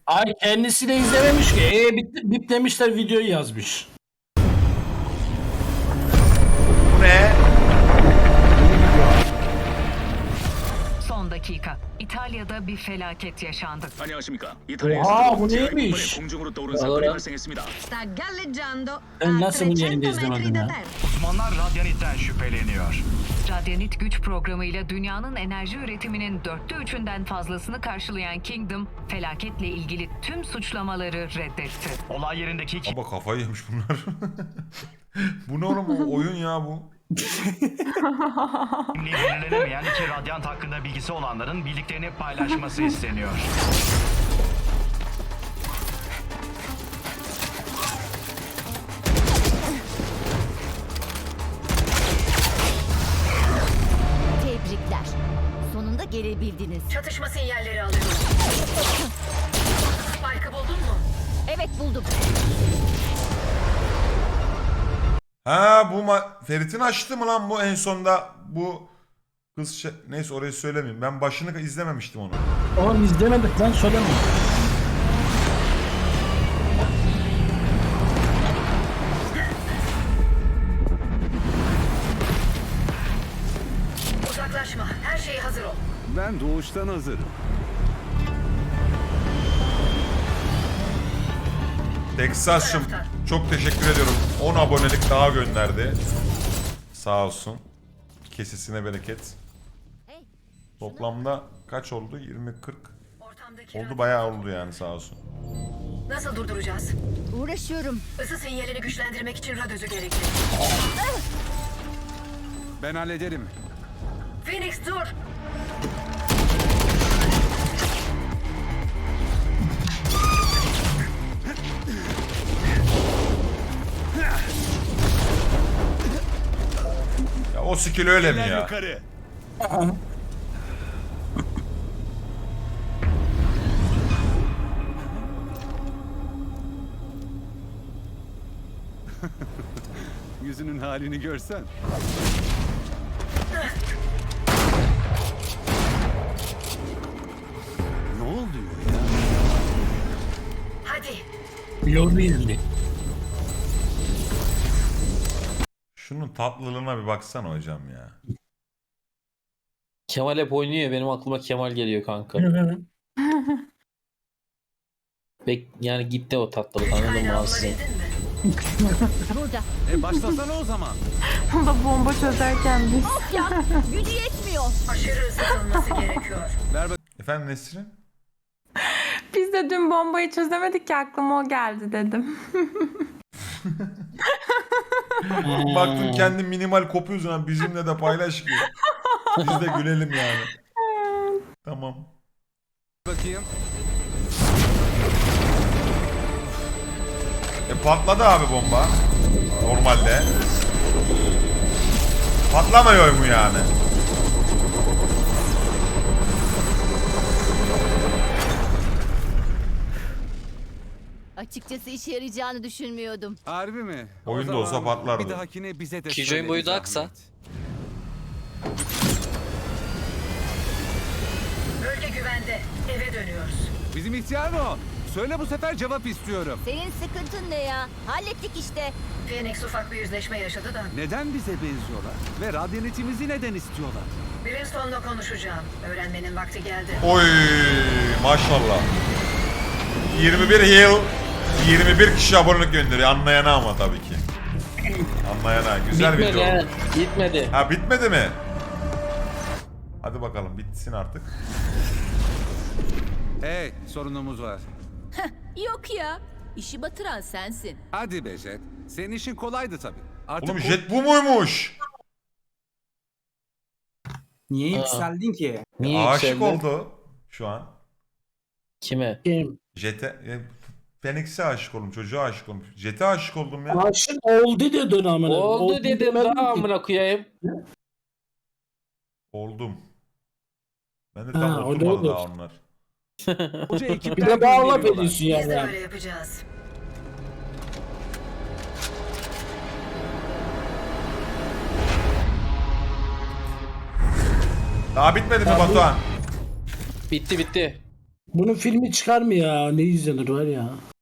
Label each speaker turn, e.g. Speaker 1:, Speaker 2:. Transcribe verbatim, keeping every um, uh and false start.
Speaker 1: Ay kendisi de izlememiş ki. E bip, bip demişler videoyu yazmış.
Speaker 2: Bu ne?
Speaker 3: Son dakika. İtalya'da bir felaket yaşandı.
Speaker 4: 안녕하십니까.
Speaker 1: Oha,
Speaker 4: 이탈리아에서
Speaker 1: bu
Speaker 4: 제가
Speaker 1: neymiş?
Speaker 4: 이번에 공중으로 떠오른 사건이 발생했습니다.
Speaker 5: Sta galleggiando
Speaker 1: Ben
Speaker 5: a
Speaker 1: nasıl bunu yayında
Speaker 5: trecento metri
Speaker 1: izlemedim
Speaker 5: da
Speaker 1: ya?
Speaker 5: terra.
Speaker 6: Uzmanlar radyanitten şüpheleniyor.
Speaker 3: Radyanit güç programıyla dünyanın enerji üretiminin dörtte üçünden fazlasını karşılayan Kingdom, felaketle ilgili tüm suçlamaları reddetti.
Speaker 6: Olay yerindeki iki
Speaker 2: Baba kafayı yemiş bunlar. Bu ne oğlum, o oyun ya bu.
Speaker 6: kimliği belirlenemeyen iki radyant hakkında bilgisi olanların bildiklerini paylaşması isteniyor.
Speaker 7: Tebrikler. Sonunda gelebildiniz.
Speaker 5: Çatışma sinyalleri alıyorum. Spike'ı buldun mu?
Speaker 7: Evet buldum.
Speaker 2: Ha bu ma Ferit'in açtı mı lan bu en sonda bu kız şey... Neyse orayı söylemeyeyim. Ben başını izlememiştim onu.
Speaker 1: Oğlum izlemedik lan, söyleme.
Speaker 5: Uzaklaşma. Her şey hazır ol.
Speaker 8: Ben doğuştan hazırım.
Speaker 2: Texas'cığım çok teşekkür ediyorum. on abonelik daha gönderdi. Sağ olsun. Kesesine bereket.
Speaker 7: Hey,
Speaker 2: Toplamda kaç oldu? yirmi kırk.
Speaker 5: Ortamdaki
Speaker 2: Oldu, bayağı oldu yani, sağ olsun.
Speaker 5: nasıl durduracağız?
Speaker 7: uğraşıyorum.
Speaker 5: Isı sinyalini güçlendirmek için radyözü gerekli.
Speaker 8: Ben hallederim.
Speaker 5: Phoenix dur.
Speaker 2: Ya o skill öyle mi ya?
Speaker 8: Yukarı. Yüzünün halini görsen. Ne oluyor ya?
Speaker 5: Hadi.
Speaker 1: Yordu izli.
Speaker 2: Şunun tatlılığına bir baksana hocam ya.
Speaker 9: Kemal hep oynuyor. Benim aklıma Kemal geliyor kanka. Bek yani gitti o tatlılık, anladın mı
Speaker 5: Kaynağı
Speaker 9: aslında?
Speaker 5: bulabildin mi?
Speaker 7: Burada.
Speaker 8: E başlasana o zaman.
Speaker 10: O da bomba çözerken biz.
Speaker 7: Of ya. Gücü yetmiyor.
Speaker 5: Aşırı ısıtılması gerekiyor.
Speaker 8: Ver bak.
Speaker 2: Efendim Nesrin?
Speaker 10: Biz de dün bombayı çözemedik ki, aklıma o geldi dedim.
Speaker 2: Baktım kendi minimal kopuyorsun ha, bizimle de paylaş ki. Biz de gülelim yani. Tamam.
Speaker 8: Bakayım.
Speaker 2: E patladı abi bomba. Normalde. Patlamıyor mu yani?
Speaker 7: Açıkçası işe yarayacağını düşünmüyordum.
Speaker 8: Harbi mi? O
Speaker 2: Oyunda
Speaker 8: zaman
Speaker 2: olsa patlardı.
Speaker 8: Bir dahakine bize de
Speaker 9: Killjoy'un
Speaker 8: söyle
Speaker 9: boyu
Speaker 8: bir
Speaker 9: da
Speaker 8: zahmet.
Speaker 9: kısa.
Speaker 5: Bölge güvende. Eve dönüyoruz.
Speaker 8: Bizim ihtiyar mı o? Söyle bu sefer cevap istiyorum.
Speaker 7: Senin sıkıntın ne ya? Hallettik işte.
Speaker 5: Phoenix ufak bir yüzleşme yaşadı da.
Speaker 8: Neden bize benziyorlar? Ve radyanetimizi neden istiyorlar?
Speaker 5: Brimstone'la konuşacağım. Öğrenmenin vakti geldi.
Speaker 2: Oy maşallah. yirmi bir yıl yirmi bir kişi abonelik gönderiyor. Anlayana ama tabii ki. Anlayana. Güzel
Speaker 9: Bitmedi
Speaker 2: video.
Speaker 9: yani. Bitmedi.
Speaker 2: Ha bitmedi mi? Hadi bakalım bitsin artık.
Speaker 8: Hey, sorunumuz var.
Speaker 7: Yok ya. İşi batıran sensin.
Speaker 8: Hadi be Jet. Senin işin kolaydı tabii. Artık
Speaker 2: Oğlum
Speaker 8: o-
Speaker 2: jet bu muymuş?
Speaker 11: Niye
Speaker 9: Aa.
Speaker 11: yükseldin ki?
Speaker 9: Niye
Speaker 2: Aşık
Speaker 9: yükseldi?
Speaker 2: oldu şu an.
Speaker 9: Kime?
Speaker 1: Kim?
Speaker 2: Jet'e, e, Phoenix'e aşık oldum, çocuğa aşık oldum. Jet'e aşık oldum ya.
Speaker 1: Aşık oldu dedin amına.
Speaker 9: Oldu dedim
Speaker 1: demedim
Speaker 9: daha
Speaker 1: ki.
Speaker 9: amına koyayım.
Speaker 2: Oldum. Ben de
Speaker 1: Ha,
Speaker 2: tam
Speaker 1: o da
Speaker 2: oturmadı
Speaker 1: olur.
Speaker 2: daha onlar.
Speaker 8: Koca ekipler
Speaker 1: Bir de bağla
Speaker 8: gönderiyorlar.
Speaker 1: ediyorsun
Speaker 5: Biz de
Speaker 1: yani.
Speaker 5: böyle yapacağız.
Speaker 2: Daha bitmedi mi
Speaker 1: Abi-
Speaker 2: Batuhan?
Speaker 9: Bitti bitti.
Speaker 1: Bunun filmi çıkar mı ya? Ne izlenir var ya.